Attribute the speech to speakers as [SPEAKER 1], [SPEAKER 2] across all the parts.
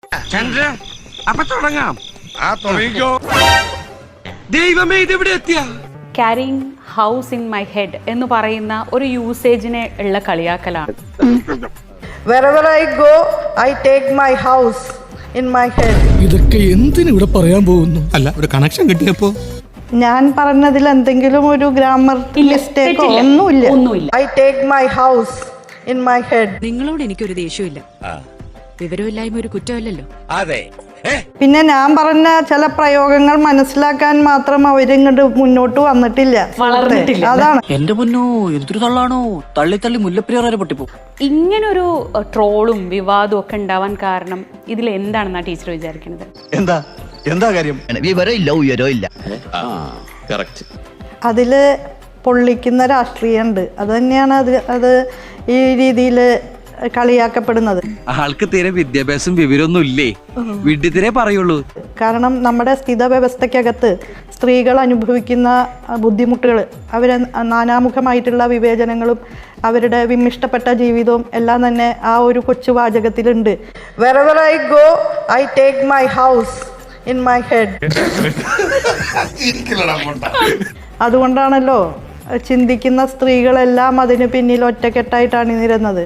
[SPEAKER 1] അപ്പൊ തുടങ്ങാം. ദൈവമേ, ഇതെവിടെ എത്തിയ?
[SPEAKER 2] Carrying house in my head എന്ന് പറയുന്ന ഒരു യൂസേജിനെ ഉള്ള കളിയാക്കലാണ്.
[SPEAKER 3] Wherever I go, I take my house in my head.
[SPEAKER 4] ഇതൊക്കെ എന്തിനു ഇവിടെ പറയാൻ പോകുന്നു? അല്ല, ഒരു കണക്ഷൻ കിട്ടിയപ്പോ
[SPEAKER 3] ഞാൻ പറഞ്ഞതിൽ എന്തെങ്കിലും ഒരു ഗ്രാമർ മിസ്റ്റേക്കോ ഒന്നുമില്ല. I take my house in my head.
[SPEAKER 5] നിങ്ങളോട് എനിക്കൊരു ദേഷ്യമില്ല. വിവരമില്ലായ്മ ഒരു കുറ്റമല്ലല്ലോ.
[SPEAKER 1] അതെ.
[SPEAKER 3] പിന്നെ ഞാൻ പറഞ്ഞ ചില പ്രയോഗങ്ങൾ മനസ്സിലാക്കാൻ മാത്രം അവരിങ്ങോട്ട് മുന്നോട്ട് വന്നിട്ടില്ല,
[SPEAKER 2] വളർന്നിട്ടില്ല.
[SPEAKER 3] അതാണ്.
[SPEAKER 6] എന്റെ മുന്നോ എന്തൊരു തള്ളാണോ, തള്ളി തള്ളി മുല്ലപ്പെരിയാർ പൊട്ടിപ്പോ.
[SPEAKER 2] ഇങ്ങനൊരു ട്രോളും വിവാദവും ഒക്കെ ഉണ്ടാവാൻ കാരണം ഇതിൽ എന്താണെന്നാ ടീച്ചർ വിചാരിക്കുന്നത്?
[SPEAKER 7] എന്താ കാര്യം? വിവരമില്ല, ഉയരമില്ല.
[SPEAKER 3] അതില് പൊള്ളിക്കുന്ന രാഷ്ട്രീയമുണ്ട്. അത് തന്നെയാണ് അത് ഈ രീതിയിൽ കളിയാക്കപ്പെടുന്നത്.
[SPEAKER 1] ആൾക്ക് തീരെ വിദ്യാഭ്യാസം വിവരമൊന്നും ഇല്ലേ, വിഡ്ഢിത്തിരെ പറയുള്ളൂ.
[SPEAKER 3] കാരണം നമ്മുടെ സ്ഥിത വ്യവസ്ഥയ്ക്കകത്ത് സ്ത്രീകൾ അനുഭവിക്കുന്ന ബുദ്ധിമുട്ടുകൾ, അവരെ നാനാമുഖമായിട്ടുള്ള വിവേചനങ്ങളും അവരുടെ വിമ്മിഷ്ടപ്പെട്ട ജീവിതവും എല്ലാം തന്നെ ആ ഒരു കൊച്ചു വാചകത്തിലുണ്ട്. Wherever I go, I take my house in my head. അതുകൊണ്ടാണല്ലോ ചിന്തിക്കുന്ന സ്ത്രീകളെല്ലാം അതിന് പിന്നിൽ ഒറ്റക്കെട്ടായിട്ടാണ് നിരുന്നത്.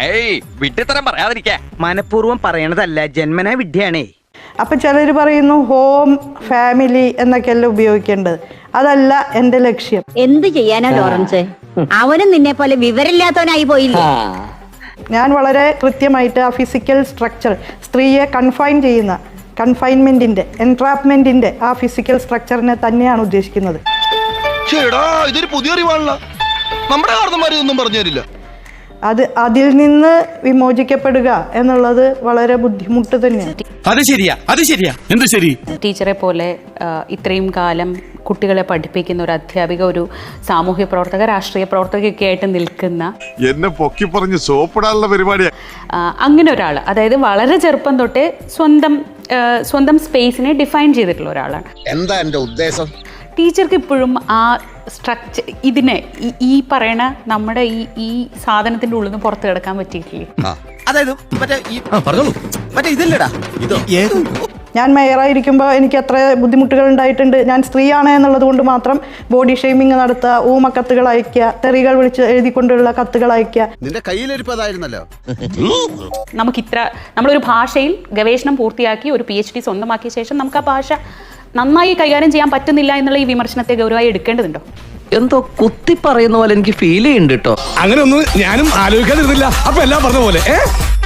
[SPEAKER 8] മനഃപൂർവ്വം പറയണതല്ല, ജന്മനാ വിദ്യയാണേ.
[SPEAKER 3] അപ്പൊ ചിലർ പറയുന്നു ഹോം, ഫാമിലി എന്നൊക്കെയല്ല ഉപയോഗിക്കേണ്ടത്. അതല്ല എന്റെ ലക്ഷ്യം.
[SPEAKER 9] എന്ത് ചെയ്യാനാ ലോറൻസ്, അവനും നിന്നെ പോലെ വിവരമില്ലാത്തവനായി പോയില്ലേ?
[SPEAKER 3] ഞാൻ വളരെ കൃത്യമായിട്ട് ആ ഫിസിക്കൽ സ്ട്രക്ചർ, സ്ത്രീയെ കൺഫൈൻ ചെയ്യുന്ന കൺഫൈൻമെന്റിന്റെ, എൻട്രാപ്മെന്റിന്റെ ആ ഫിസിക്കൽ സ്ട്രക്ചറിനെ തന്നെയാണ് ഉദ്ദേശിക്കുന്നത്.
[SPEAKER 7] ഇതൊരു പുതിയ അറിവാണല്ലോ, നമ്മുടെ കാരണന്മാർ ഇതൊന്നും പറഞ്ഞു തരില്ല.
[SPEAKER 3] അതിൽ നിന്ന് വിമോചിക്കപ്പെടുക എന്നുള്ളത് വളരെ ബുദ്ധിമുട്ട് തന്നെയാണ്.
[SPEAKER 4] അത് ശരിയാ. എന്ത് ശരി?
[SPEAKER 2] ടീച്ചറെ പോലെ ഇത്രയും കാലം കുട്ടികളെ പഠിപ്പിക്കുന്ന ഒരു അധ്യാപിക, ഒരു സാമൂഹ്യ പ്രവർത്തക, രാഷ്ട്രീയ പ്രവർത്തകയൊക്കെ ആയിട്ട് നിൽക്കുന്ന,
[SPEAKER 10] എന്നെ പൊക്കി പറഞ്ഞ് സോപ്പിടാനുള്ള പരിപാടിയാണ്.
[SPEAKER 2] അങ്ങനെ ഒരാൾ, അതായത് വളരെ ചെറുപ്പം തൊട്ടേ സ്വന്തം സ്പേസിനെ ഡിഫൈൻ ചെയ്തിട്ടുള്ള ഒരാളാണ്.
[SPEAKER 7] എന്താ എന്റെ ഉദ്ദേശം?
[SPEAKER 2] ടീച്ചർക്ക് ഇപ്പോഴും ആ സ്ട്രക്ചർ, ഇതിനെ ഈ പറയണ നമ്മുടെ ഈ സാധനത്തിന്റെ ഉള്ളിൽ നിന്ന് പുറത്ത് കിടക്കാൻ പറ്റിയിട്ടില്ലേ?
[SPEAKER 8] അതായത് മറ്റേ ഇതല്ലടാ,
[SPEAKER 3] ഞാൻ മേയറായിരിക്കുമ്പോൾ എനിക്ക് എത്ര ബുദ്ധിമുട്ടുകൾ ഉണ്ടായിട്ടുണ്ട്. ഞാൻ സ്ത്രീയാണ് എന്നുള്ളത് കൊണ്ട് മാത്രം ബോഡി ഷെയ്മിങ് നടത്തുക, ഊമക്കത്തുകൾ അയക്കുക, തെറികൾ വിളിച്ച് എഴുതിക്കൊണ്ടുള്ള കത്തുകൾ അയക്കുക.
[SPEAKER 7] നിന്റെ കയ്യിലിരിപ്പതായിരുന്നല്ലോ.
[SPEAKER 2] നമ്മളൊരു ഭാഷയിൽ ഗവേഷണം പൂർത്തിയാക്കി ഒരു PhD സ്വന്തമാക്കിയ ശേഷം നമുക്ക് ആ ഭാഷ നന്നായി കൈകാര്യം ചെയ്യാൻ പറ്റുന്നില്ല എന്നുള്ള ഈ വിമർശനത്തെ ഗൗരവമായി എടുക്കേണ്ടതുണ്ടോ?
[SPEAKER 6] എന്തോ കുത്തി പറയുന്ന പോലെ എനിക്ക് ഫീൽ ചെയ്യുന്നുണ്ട് കേട്ടോ.
[SPEAKER 4] അങ്ങനെ ഒന്നും ഞാനും ആലോചിക്കാതിരുന്നില്ല. അപ്പൊ എല്ലാം പറഞ്ഞ പോലെ